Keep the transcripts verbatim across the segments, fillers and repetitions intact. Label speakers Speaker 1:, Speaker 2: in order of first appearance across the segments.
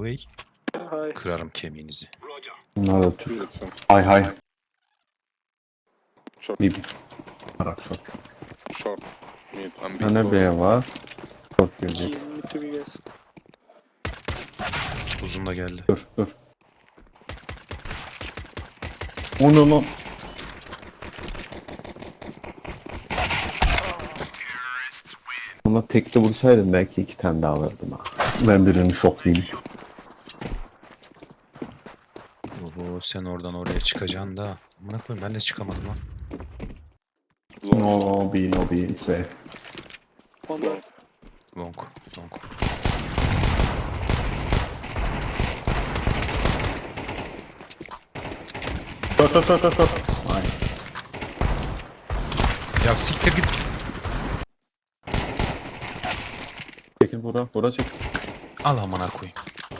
Speaker 1: way.
Speaker 2: Hay.
Speaker 1: Kırarım kemiğinizi.
Speaker 3: Bunlar da Türk.
Speaker 2: Lütfen.
Speaker 3: Hay hay.
Speaker 2: Short.
Speaker 3: Bir Arap çok.
Speaker 2: Short. Mid. I'm big.
Speaker 3: Tane B var. Çok gelecek.
Speaker 4: Team need to be guys.
Speaker 1: Uzun da geldi.
Speaker 3: Dur dur. O ne lan? Ama tekte vursaydım belki iki tane daha alırdım ha. Ben birini şoklayayım.
Speaker 1: Oho, sen oradan oraya çıkacaksın da. Amına koyayım, ben de çıkamadım lan.
Speaker 3: No B, no B, it's safe.
Speaker 4: One more.
Speaker 1: Long. Long.
Speaker 3: Short, short, short, short, short. Nice.
Speaker 1: Ya siktir git.
Speaker 3: Çekil bura, bura çek.
Speaker 1: Al amına koyayım.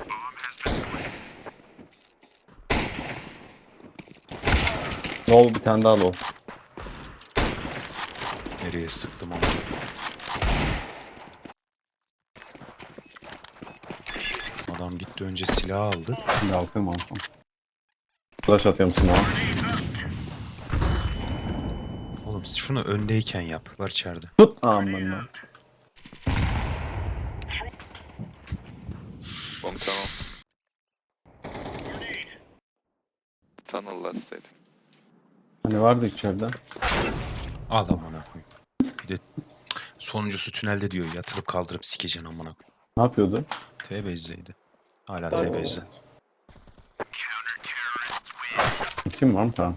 Speaker 3: Low bir tane daha low.
Speaker 1: Nereye sıktım ama. Adam gitti önce silah aldı.
Speaker 3: Şimdi alkayım alsam. Flash atıyorum sana.
Speaker 1: Oğlum şunu öndeyken yap. Var içeride.
Speaker 3: Tut. Aman lan.
Speaker 2: Long tunnel. Tunnel last state.
Speaker 3: Hani vardı içeride.
Speaker 1: Al amına koyayım. Bir de sonuncusu tünelde diyor. Yatırıp kaldırıp sikeceksin amına koyayım.
Speaker 3: Ne yapıyordu?
Speaker 1: T base'deydi. Hala T base'de.
Speaker 3: Kim var mı tamam?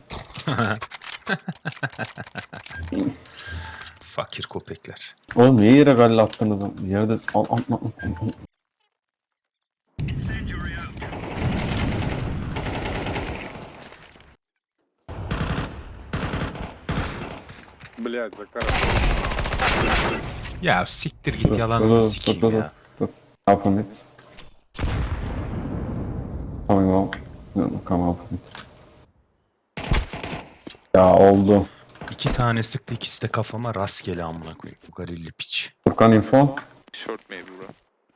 Speaker 1: Fakir köpekler.
Speaker 3: Oğlum niye yere galle attınız? Yerde al al al. al.
Speaker 2: Блядь, закар.
Speaker 1: Ya siktir git
Speaker 3: Dur, dur,
Speaker 1: yalanını
Speaker 3: dur,
Speaker 1: sikeyim
Speaker 3: dur, dur,
Speaker 1: ya.
Speaker 3: dur. Up on it. Coming out. No, no, come up on it. Ya oldu.
Speaker 1: İki tane sıktı, ikisi de kafama rastgele amına koyayım. Bu garilli piç.
Speaker 3: Furkan info.
Speaker 2: Short maybe bro.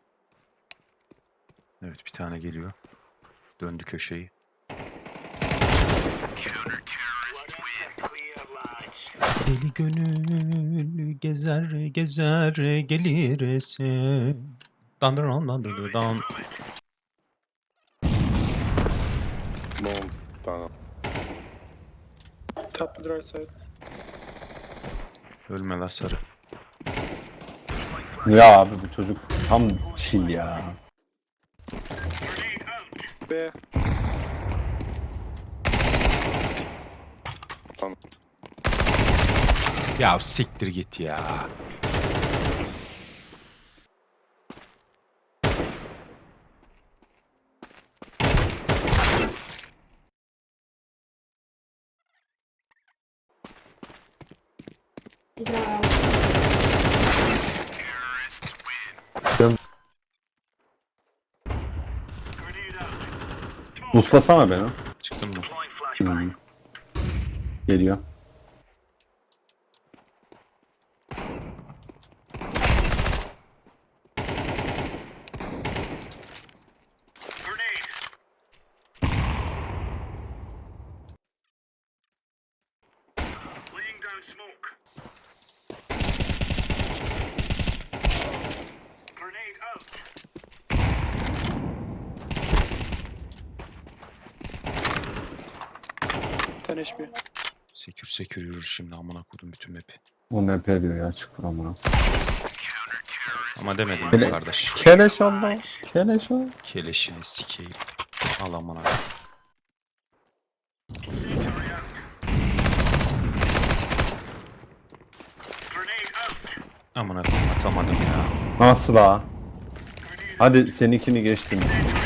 Speaker 1: Evet, bir tane geliyor. Döndü köşeyi. Deli gönül gezer gezer gelir esen. Dandıran dandırdan.
Speaker 2: Long tunnel.
Speaker 4: Top the right side.
Speaker 1: Ölmeler sarı.
Speaker 3: Ya abi bu çocuk tam chill ya.
Speaker 4: B.
Speaker 2: Tunnel.
Speaker 1: Ya siktir git ya.
Speaker 3: Uslasana beni.
Speaker 1: Çıktın mı?
Speaker 3: Hmm. Geliyor.
Speaker 4: ten H P.
Speaker 1: Sekür sekür yürür şimdi amına koydum bütün map'i.
Speaker 3: O ne diyor ya çık buramına.
Speaker 1: Ama demedim
Speaker 3: Kele-
Speaker 1: mi kardeş?
Speaker 3: Keleş Allah. Keleş Allah.
Speaker 1: Keleşini sikeyim. Al amına. Amına koyayım, atamadım ya.
Speaker 3: Nasıl ha? Hadi seninkini geçtim.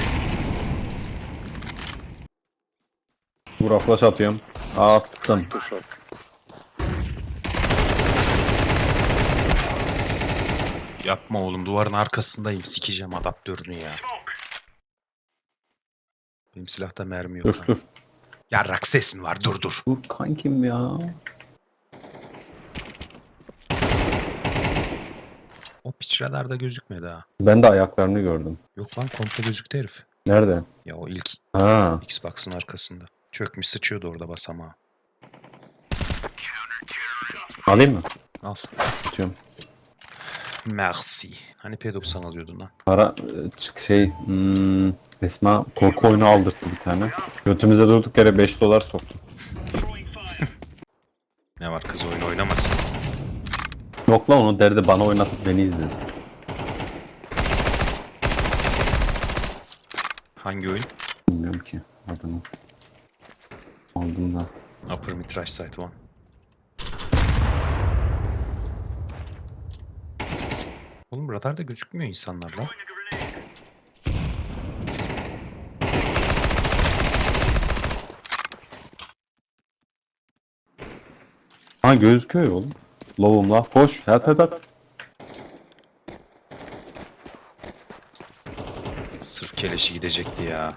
Speaker 3: Vura flash atıyorum. Attım.
Speaker 2: Two short.
Speaker 1: Yapma oğlum, duvarın arkasındayım, sikeceğim adaptörünü ya. Benim silahta mermi yok.
Speaker 3: Dur
Speaker 1: ha.
Speaker 3: dur.
Speaker 1: Yarrak ses mi var? Dur dur.
Speaker 3: Dur kankim ya.
Speaker 1: O piç radarda gözükmedi ha.
Speaker 3: Ben de ayaklarını gördüm.
Speaker 1: Yok lan, komple gözüktü herif.
Speaker 3: Nerede?
Speaker 1: Ya o ilk
Speaker 3: Ha.
Speaker 1: Xbox'ın arkasında. Çökmüş sıçıyordu orada basamağa.
Speaker 3: Alayım mı?
Speaker 1: Al.
Speaker 3: Atıyorum.
Speaker 1: Merci. Hani P doksan alıyordun lan.
Speaker 3: Para e, çık şey hmm, Esma korku oyunu aldırttı bir tane. Götümüze durduk yere beş dolar soktu.
Speaker 1: Ne var kız oyun oynamasın.
Speaker 3: Yok lan onu derdi bana oynatıp beni izledi.
Speaker 1: Hangi oyun?
Speaker 3: Bilmiyorum ki adını. Aldım da.
Speaker 1: Upper Midrash Site One. Oğlum radarda gözükmüyor insanlar lan.
Speaker 3: Ha gözüküyor ya oğlum. Lovum la. Hoş. Help help help.
Speaker 1: Sırf keleşi gidecekti ya.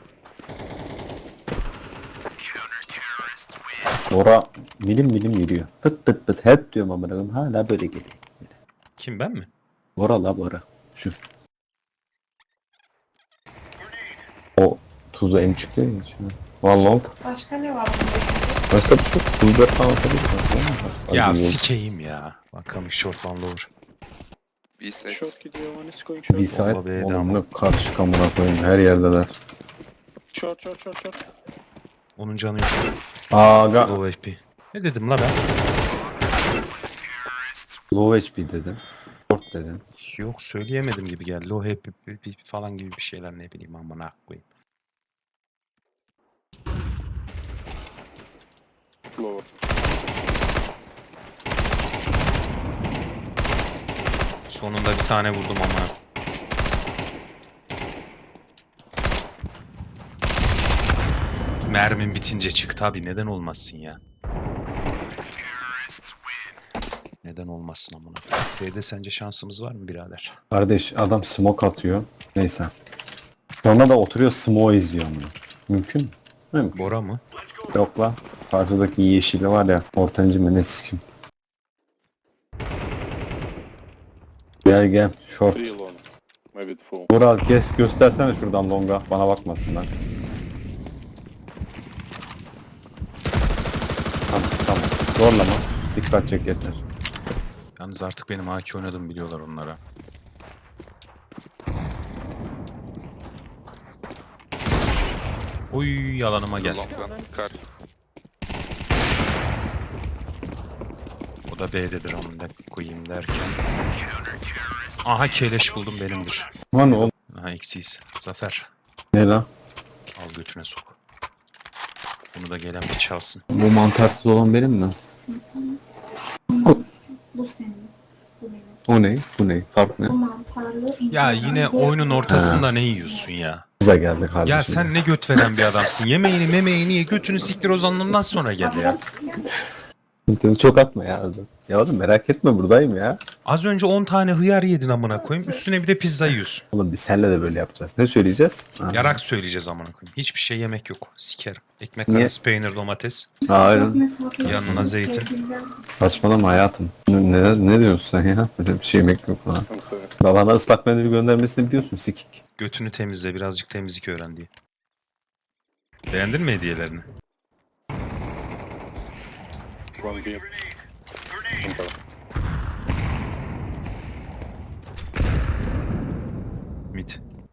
Speaker 3: Ora milim milim yürüyor. Pıt pıt pıt hep diyorum amına koyayım. Hala böyle geliyor.
Speaker 1: Kim ben mi?
Speaker 3: Ora la Bora. Şu. O tuzu emçikliyor ya içine. Vallahi
Speaker 5: Başka ne var bunda?
Speaker 3: başka bir şey yok. Tuz dört falan atabilir.
Speaker 1: Ya
Speaker 3: Hadi
Speaker 1: sikeyim ya. Bakalım short lan lower.
Speaker 2: B side.
Speaker 4: Short gidiyor. One is going short.
Speaker 3: bir saat
Speaker 1: Bomba B'de
Speaker 3: oğlum
Speaker 1: ama.
Speaker 3: ne karışık amına koyayım her yerdeler.
Speaker 4: Short short short short.
Speaker 1: Onun canı yok.
Speaker 3: Aga
Speaker 1: Low H P. Ne dedim la ben?
Speaker 3: low H P dedim. Short dedim.
Speaker 1: Yok söyleyemedim gibi geldi. Low H P falan gibi bir şeyler ne bileyim amına koyayım.
Speaker 2: Lower.
Speaker 1: Sonunda bir tane vurdum ama. Mermin bitince çık tabi neden olmazsın ya. Neden olmazsın amına. B'de sence şansımız var mı birader?
Speaker 3: Kardeş adam smoke atıyor. Neyse. Sonra da oturuyor smoke izliyor amına. Mümkün mü? Mümkün.
Speaker 1: Bora mı?
Speaker 3: Yok lan. Karşıdaki yeşili var ya. Ortancı mı ne sikim. Gel gel. Short.
Speaker 2: Three long. Maybe the full.
Speaker 3: Burak gez göstersene şuradan longa. Bana bakmasınlar. Tamam tamam. Zorlama. Dikkat çek yeter.
Speaker 1: Yalnız artık benim A K oynadığımı biliyorlar onlara. Oy yalanıma gel.
Speaker 2: Long gun. Car.
Speaker 1: O da B'dedir onu da koyayım derken. Aha keleş buldum benimdir.
Speaker 3: Lan oğlum.
Speaker 1: Aha eksiyiz. Zafer.
Speaker 3: Ne lan?
Speaker 1: Al götüne sok. Bunu da gelen bir çalsın.
Speaker 3: Bu mantarsız olan benim mi?
Speaker 5: Bu senin. Bu benim.
Speaker 3: O ne? Bu ne? Fark ne?
Speaker 5: Bu mantarlı.
Speaker 1: Ya
Speaker 5: inceden
Speaker 1: yine
Speaker 5: bu-
Speaker 1: oyunun ortasında ne yiyorsun ya?
Speaker 3: Kıza geldi kardeşim.
Speaker 1: Ya sen ne göt veren bir adamsın. Yemeğini memeğini ye götünü siktir o zamandan sonra gel ya.
Speaker 3: Çok atma ya. Ya oğlum merak etme buradayım ya.
Speaker 1: Az önce on tane hıyar yedin amına koyayım. Üstüne bir de pizza yiyorsun.
Speaker 3: Oğlum biz seninle de böyle yapacağız. Ne söyleyeceğiz? Ha.
Speaker 1: Yarak söyleyeceğiz amına koyayım. Hiçbir şey yemek yok. Sikerim. Ekmek
Speaker 3: Niye?
Speaker 1: arası peynir domates.
Speaker 3: Hayır.
Speaker 5: Çok mesafeli.
Speaker 1: Yanına zeytin.
Speaker 5: Sevgiliden-
Speaker 3: Saçmalama hayatım. Ne, ne, ne diyorsun sen ya? Böyle bir şey yemek yok lan.
Speaker 2: I'm sorry.
Speaker 3: Babana ıslak mendil göndermesini biliyorsun sikik.
Speaker 1: Götünü temizle birazcık temizlik öğren diye. Beğendin mi hediyelerini?
Speaker 2: One B. Enter.
Speaker 1: Mid.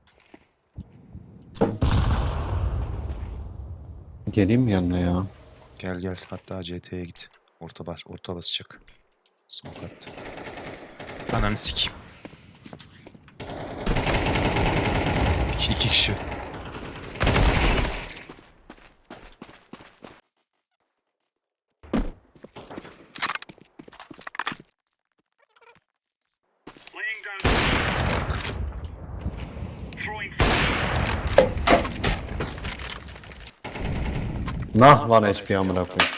Speaker 3: Geleyim mi yanına ya?
Speaker 1: Gel gel hatta C T'ye git. Orta bas, orta basacak. Smoke attı. Ananı sikeyim. İki, iki kişi.
Speaker 3: Nah lan H P amına koyayım.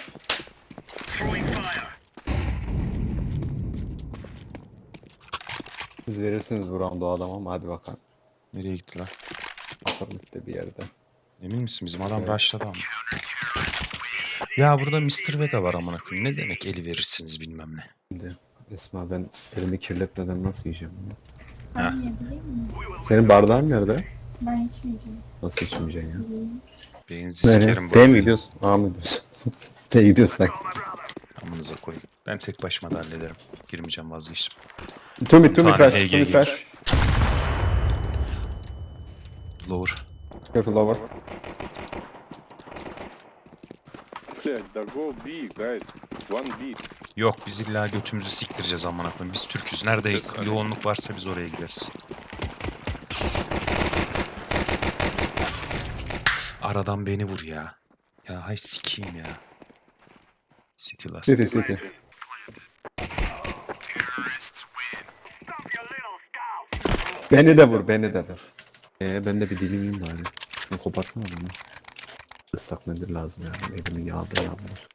Speaker 3: Siz verirsiniz bu roundu o adama ama hadi bakalım.
Speaker 1: Nereye gitti lan?
Speaker 3: Bakalım işte bir yerde.
Speaker 1: Emin misin bizim adam rushladı ama. Ya burada mister Vega var amına koyayım. Ne demek eli verirsiniz bilmem ne.
Speaker 3: Şimdi Esma ben elimi kirletmeden nasıl yiyeceğim bunu?
Speaker 5: Ben yiyebilir miyim?
Speaker 3: Senin bardağın nerede?
Speaker 5: Ben içmeyeceğim.
Speaker 3: Nasıl içmeyeceksin ya?
Speaker 1: Beyinizi sikerim
Speaker 3: Nereye?
Speaker 1: bu
Speaker 3: B'ye mi
Speaker 1: arada.
Speaker 3: gidiyorsun? A mı gidiyorsun? B'ye gidiyorsak.
Speaker 1: Amınıza koyayım. Ben tek başıma da hallederim. Girmeyeceğim, vazgeçtim.
Speaker 3: Two mid, two mid
Speaker 1: Tane
Speaker 3: flash,
Speaker 1: H G
Speaker 3: two mid
Speaker 1: gelir.
Speaker 3: flash.
Speaker 1: Lower.
Speaker 3: Careful over.
Speaker 2: Блядь, да go B, guys. One B.
Speaker 1: Yok, biz illa götümüzü siktireceğiz amına koyayım. Biz Türk'üz. Nerede yoğunluk varsa biz oraya gideriz. Aradan beni vur ya. Ya hay sikeyim ya. City last.
Speaker 3: City, city. Beni de vur, beni de vur. Ee, ben de bir dilim yiyeyim bari. Şunu koparsana bana. Islak mendil lazım yani. Elimi yağda yağmur.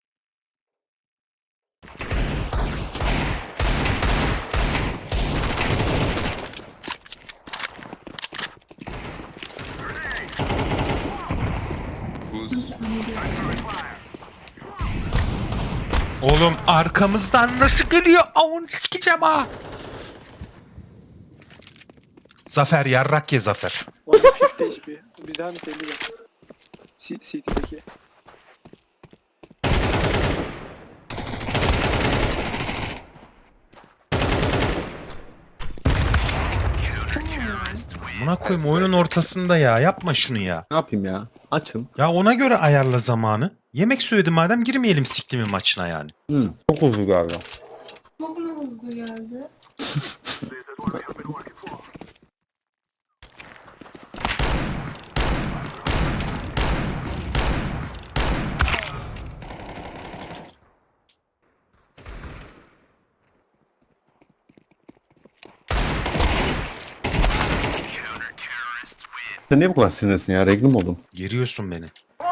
Speaker 1: Oğlum arkamızdan nasıl geliyor? Avun sikeceğim ha. Zafer yarrak ye Zafer.
Speaker 4: One fifty H P. Bir daha mı elli de. C- CT'deki.
Speaker 1: Buna koyayım oyunun ortasında ya. Yapma şunu ya.
Speaker 3: Ne yapayım ya? Açım.
Speaker 1: Ya ona göre ayarla zamanı. Yemek söyledi madem, girmeyelim siktimin maçına yani.
Speaker 3: Hı, çok uzun galiba.
Speaker 5: Çok mu hızlı geldi?
Speaker 3: Sen niye bu kadar sinirlisin ya? Reglim oldum.
Speaker 1: Geriyorsun beni.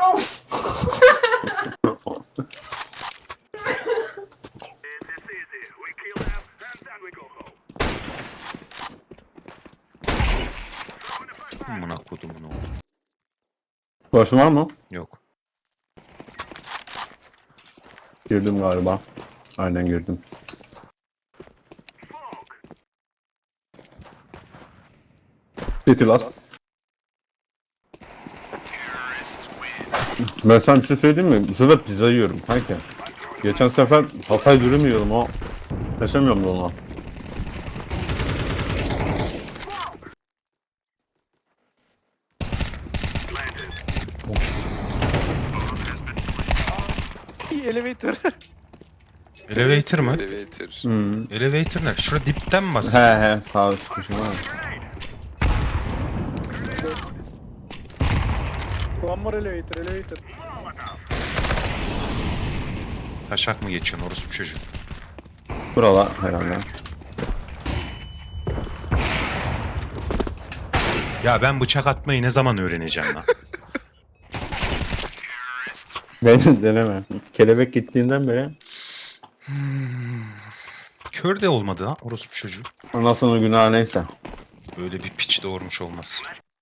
Speaker 1: Amına kodumun oğlu.
Speaker 3: Başın var mı?
Speaker 1: Yok.
Speaker 3: Girdim galiba. Aynen girdim. City last. Ben sana bir şey söyleyeyim mi? Bu sefer pizza yiyorum kanka. Geçen sefer Hatay dürüm yiyorum o. Yaşamıyorum da ona.
Speaker 4: İyi elevator.
Speaker 1: Elevator mı?
Speaker 2: Elevator.
Speaker 3: Hmm.
Speaker 1: Elevator ne? Şurada dipten mi
Speaker 3: He
Speaker 1: basıyor?
Speaker 3: he sağ üst köşe var.
Speaker 4: One more elevator, elevator.
Speaker 1: Taşak mı geçiyorsun orospu çocuğu?
Speaker 3: Buralar herhalde.
Speaker 1: Ya ben bıçak atmayı ne zaman öğreneceğim lan?
Speaker 3: Beni deneme. Kelebek gittiğinden beri
Speaker 1: Kör de olmadı ha orospu çocuğu.
Speaker 3: anasının günahı neyse.
Speaker 1: Böyle bir piç doğurmuş olmaz.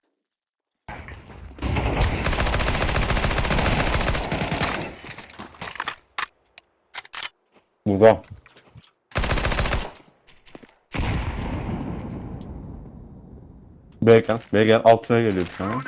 Speaker 3: Burada. Beyken, Beyken altına geliyor bir tane.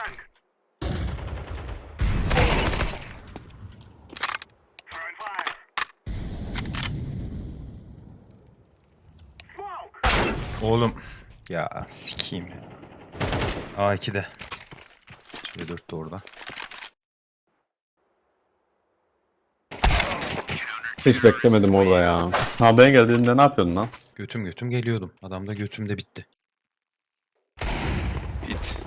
Speaker 1: Oğlum ya sikeyim ya. A iki'de. C dört de orada.
Speaker 3: Hiç beklemedim orada ya. Ha ben geldiğinde ne yapıyordun lan?
Speaker 1: Götüm götüm geliyordum. Adam da götümde bitti.
Speaker 2: Bit.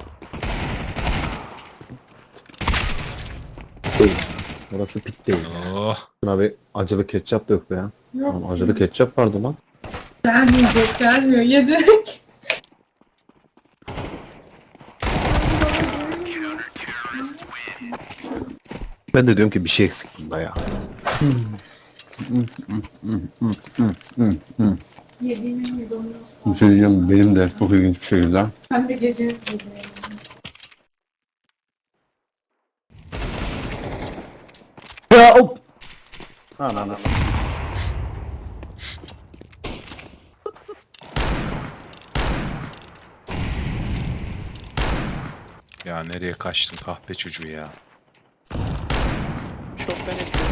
Speaker 3: Burası pit değil.
Speaker 1: Oh.
Speaker 3: Buna bir acılı ketçap dök be ya.
Speaker 5: Yok.
Speaker 3: Lan acılı ketçap vardı lan.
Speaker 5: Gelmeyecek, gelmiyor. Yedik.
Speaker 3: Ben de diyorum ki bir şey eksik bunda ya.
Speaker 5: Yediğimin yudumunu
Speaker 3: Bir şey diyeceğim benim de çok ilginç bir şekilde.
Speaker 5: hem de gece yedim.
Speaker 3: Ya hop! Ananas.
Speaker 1: Ya nereye kaçtın kahpe çocuğu ya.
Speaker 4: Şoktan ekliyorum.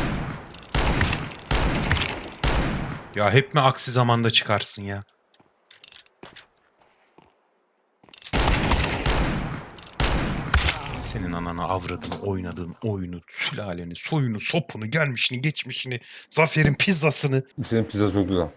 Speaker 1: Ya hep mi aksi zamanda çıkarsın ya? Senin ananı avradını oynadığın oyunu, sülaleni, soyunu, sopunu, gelmişini, geçmişini, Zafer'in pizzasını.
Speaker 3: Senin pizza çok güzel.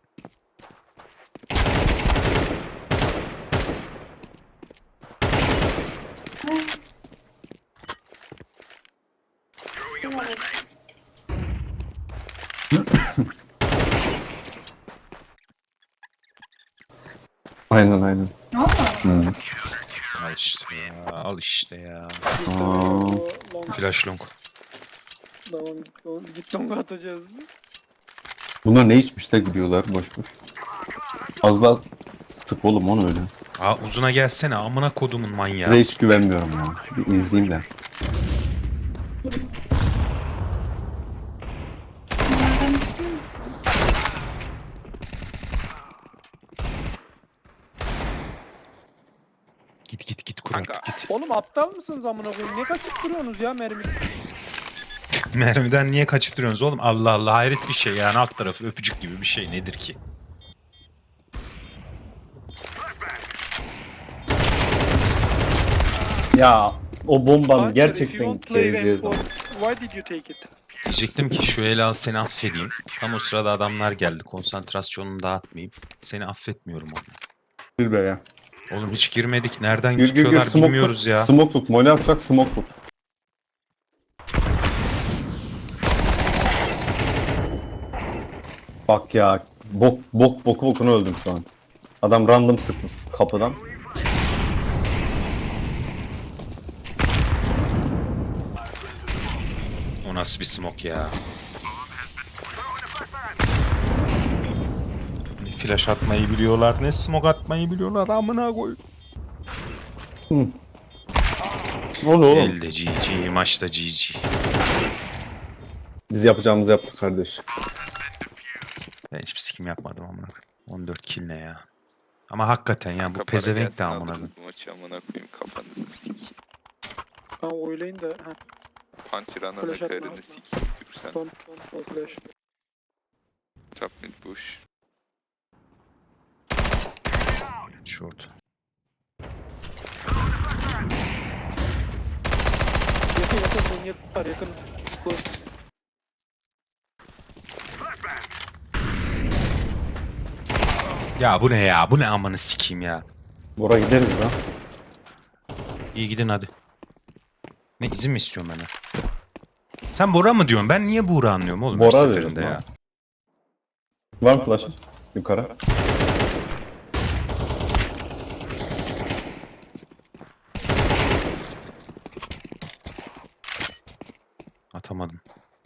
Speaker 3: Aynen aynen.
Speaker 5: Valla.
Speaker 3: Hı.
Speaker 1: Al işte ya, al işte ya.
Speaker 4: Biz de
Speaker 3: Aa.
Speaker 4: o long.
Speaker 1: Flash long.
Speaker 4: Tamam git long, git long'a atacağız.
Speaker 3: Bunlar ne içmiş de gidiyorlar boş boş. Az daha sık oğlum onu öyle.
Speaker 1: Aa uzuna gelsene amına kodumun manyağı.
Speaker 3: Size hiç güvenmiyorum ya. Bir izleyeyim de.
Speaker 1: Git git git Kurat git.
Speaker 4: Oğlum aptal mısınız amına koyayım? Ne kaçıp duruyorsunuz ya mermi?
Speaker 1: Mermiden niye kaçıp duruyorsunuz oğlum? Allah Allah hayret bir şey yani alt tarafı öpücük gibi bir şey nedir ki?
Speaker 3: Ya o bombanın
Speaker 4: Hunter, if you
Speaker 3: gerçekten
Speaker 4: won't play
Speaker 3: geleceği
Speaker 4: M
Speaker 3: zaman.
Speaker 4: four, why did you take it?
Speaker 1: Diyecektim ki şu el al seni affedeyim. Tam o sırada adamlar geldi. Konsantrasyonunu dağıtmayayım. Seni affetmiyorum oğlum.
Speaker 3: Bir be ya.
Speaker 1: Oğlum hiç girmedik. Nereden
Speaker 3: Gir gir gir
Speaker 1: tutuyorlar
Speaker 3: smoke
Speaker 1: bilmiyoruz
Speaker 3: tut.
Speaker 1: ya.
Speaker 3: Smoke tut. Mole yapacak smoke tut. Bak ya. Bok bok boku bokunu öldüm şu an. Adam random sıktı kapıdan.
Speaker 1: O nasıl bir smoke ya? Ne flash atmayı biliyorlar, ne smoke atmayı biliyorlar amına koy.
Speaker 3: Ne oldu oğlum?
Speaker 1: Elde G G, maçta G G.
Speaker 3: Biz yapacağımızı yaptık kardeş.
Speaker 1: Ben hiçbir sikim yapmadım amına koyayım. on dört kill ne ya? Ama hakikaten ya bu
Speaker 6: Kapana
Speaker 1: pezevenk de
Speaker 6: gelsin
Speaker 1: amına
Speaker 6: alırız
Speaker 1: koyayım.
Speaker 6: bu maçı amına koyayım kafanızı sik.
Speaker 4: Ha oylayın da ha.
Speaker 6: Puncher ananı
Speaker 4: Flash atma,
Speaker 6: karını
Speaker 4: atma.
Speaker 6: sik. Yürürsen.
Speaker 4: Son son o flash.
Speaker 6: Trap mid push.
Speaker 1: Short.
Speaker 4: Yakın yakın son yakın var yakın. Close.
Speaker 1: Ya bu ne ya? Bu ne amanı sikeyim ya?
Speaker 3: Bora gideriz lan.
Speaker 1: İyi gidin hadi. Ne izin mi istiyorsun benden? Sen Bora mı diyorsun? Ben niye Buğra anlıyorum oğlum her
Speaker 3: Bora
Speaker 1: seferinde
Speaker 3: diyorum
Speaker 1: ya?
Speaker 3: lan. Var mı flash? Yukarı.
Speaker 1: Atamadım.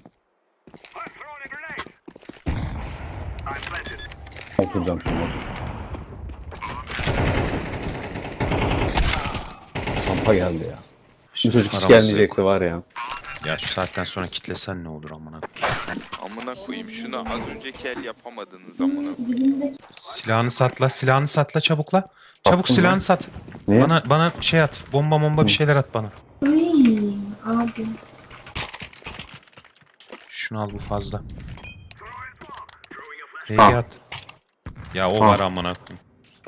Speaker 3: Oturacağım şimdi. Kampa geldi ya. Bu çocuk hiç
Speaker 1: Aramızda
Speaker 3: gelmeyecekti
Speaker 1: yok.
Speaker 3: var ya.
Speaker 1: Ya şu saatten sonra kitlesen ne olur amına.
Speaker 6: Amına koyayım şunu az önceki el yapamadınız amına koyayım.
Speaker 5: Dibindeki
Speaker 1: Silahını satla, silahını satla çabukla. Çabuk
Speaker 3: Attım
Speaker 1: silahını
Speaker 3: lan.
Speaker 1: sat.
Speaker 3: Ne?
Speaker 1: Bana bana şey at. Bomba bomba bir şeyler at bana.
Speaker 5: Iy, abi.
Speaker 1: Şunu al bu fazla. Hey
Speaker 3: Ah.
Speaker 1: at. Ya o
Speaker 3: Ah.
Speaker 1: var amına koyayım.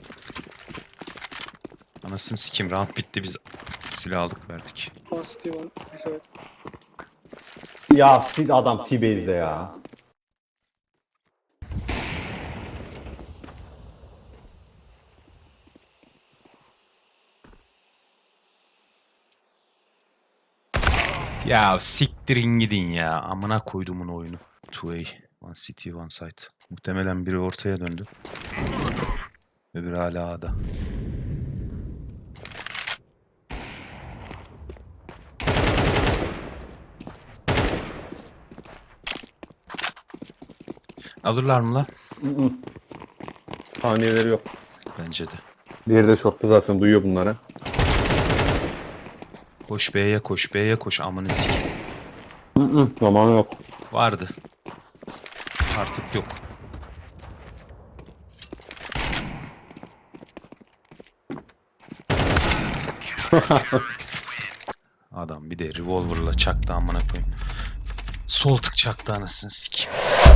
Speaker 1: Anasını sikim round bitti biz silah aldık verdik.
Speaker 4: One city one. Sorry.
Speaker 3: Ya sil adam T-Base'de ya.
Speaker 1: Ya siktirin gidin ya. Amına koydumun oyunu. iki A. One city one site. Muhtemelen biri ortaya döndü. Öbürü hala A'da. Alırlar mı la?
Speaker 3: Saniyeleri yok.
Speaker 1: Bence de.
Speaker 3: Diğeri de şortta zaten duyuyor bunları.
Speaker 1: Koş B'ye koş B'ye koş amını sik.
Speaker 3: Hı hı. Zamanı yok.
Speaker 1: Vardı. Artık yok. Adam bir de revolver'la çaktı amına koyayım. Sol tık çaktı anasını sikeyim.